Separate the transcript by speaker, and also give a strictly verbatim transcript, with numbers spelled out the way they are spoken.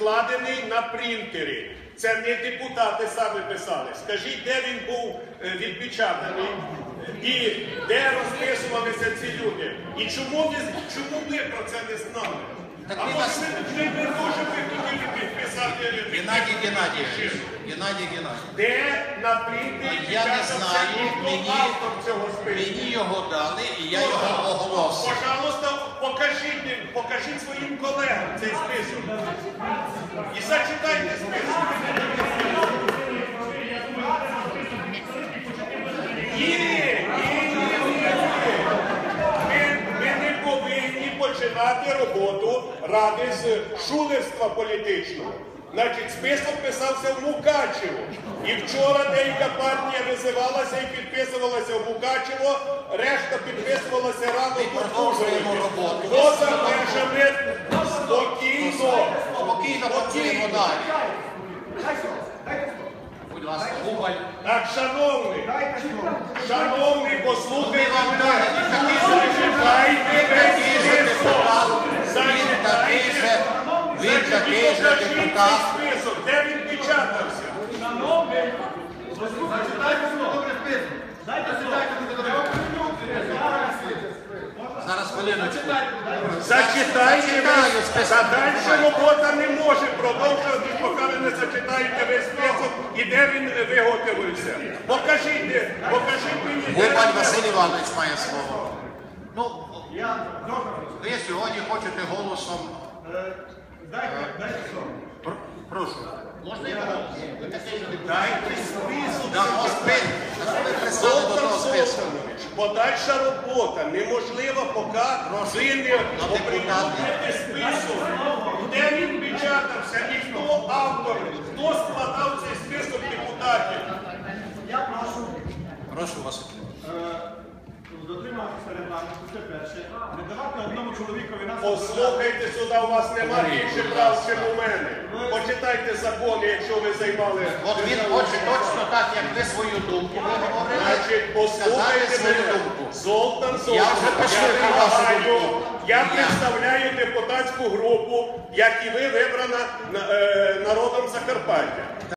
Speaker 1: складений на принтері. Це не депутати самі писали. Скажіть, де він був відпечатаний і де розписувалися ці люди. І чому ви, чому ви про це не знали?
Speaker 2: Так
Speaker 1: а
Speaker 2: ви
Speaker 1: може
Speaker 2: нас...
Speaker 1: ви не дуже би хотіли підписати?
Speaker 2: Геннадій Геннадійович, Геннадій Геннадійович.
Speaker 1: Де на принтері
Speaker 2: Я не
Speaker 1: відпечатався
Speaker 2: знаю,
Speaker 1: ніхто
Speaker 2: мені,
Speaker 1: автор цього списку?
Speaker 2: мені його дали і я його оголосив.
Speaker 1: Пожалуйста, покажіть, покажіть своїм колегам цей список. І зачитайте список. Ні, ні, ні, ні. Ми, ми не повинні починати роботу ради з шулерства політичного. Значить, список писався в Мукачево. І вчора деяка партія визивалася і підписувалася в Мукачево, решта підписувалася рано тут.
Speaker 2: Продовжуємо роботу.
Speaker 1: Поза межами спокійно.
Speaker 2: Спокійно працюємо далі. Будь ласка, Губаль.
Speaker 1: Так, шановний, шановний, послухайте
Speaker 2: Вам
Speaker 1: мене.
Speaker 2: далі.
Speaker 1: Зачитайте весь список.
Speaker 2: Він такий же, він такий же
Speaker 1: Покажіть
Speaker 2: депутат.
Speaker 1: цей список, де він печатався.
Speaker 2: Зараз хвилиночку.
Speaker 1: Зачитайте
Speaker 2: Зачитаю
Speaker 1: весь
Speaker 2: список.
Speaker 1: список. А далі робота не може продовжувати, поки ви не зачитаєте весь список і де він виготовився. Покажіть, покажіть мені. де
Speaker 2: Губаль
Speaker 1: він
Speaker 2: Василь Іванович має слово. Ну, ви сьогодні хочете голосом. Пр- Прошу. Можна я голос? Ви такий же депутат.
Speaker 1: Дайте список.
Speaker 2: Дамо список. Ви прислали до того списку.
Speaker 1: Подальша робота неможлива, поки ви не оприлюдните список. Де він печатався і хто автор, хто складав цей список депутатів.
Speaker 3: Я прошу
Speaker 2: Прошу вас.
Speaker 3: дотримуватися регламенту, це перше. Не давати одному чоловікові нас...
Speaker 1: Послухайте сюди, у вас немає більше прав, ніж у мене. Почитайте закони, якщо ви займали.
Speaker 2: От він хоче точно так, як ви свою думку виговорили,
Speaker 1: Значить,
Speaker 2: сказати
Speaker 1: послухайте
Speaker 2: свою
Speaker 1: мене.
Speaker 2: думку.
Speaker 1: Золтан
Speaker 2: Я
Speaker 1: Золтан,
Speaker 2: вже послухав вашу
Speaker 1: вимагаю,
Speaker 2: думку.
Speaker 1: я
Speaker 2: Я.
Speaker 1: представляю депутатську групу, як і ви вибрана е, народом Закарпаття.